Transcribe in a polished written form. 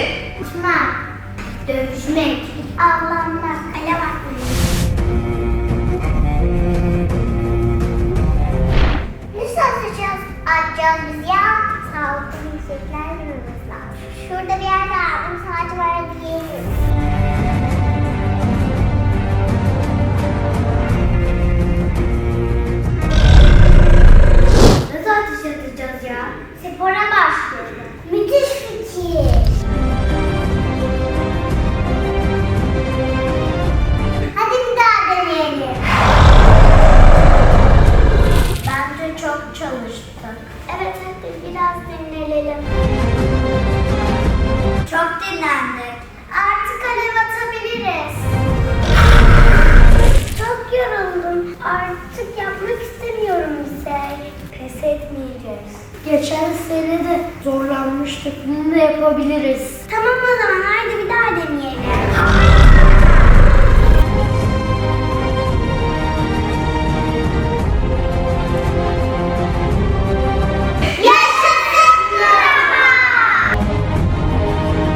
Uçmak, dövüşmek, avlanmak, alev atmak. Nasıl atacağız biz ya? Sağlıklı yüksekler görmemiz lazım. Şurada bir yerde abim saati var diyelim. Nasıl ateş atacağız ya? Spora başlayalım. Müthiş fikir. Hadi bir daha deneyelim. Bence çok çalıştık. Evet hadi biraz dinlenelim. Çok dinlendik. Artık alev atabiliriz. Çok yoruldum. Artık yapmak istemiyorum bize. Pes etmeyeceğiz. Geçen sene de zorlanmıştık. Bunu da yapabiliriz. Tamam o zaman haydi bir daha deneyelim.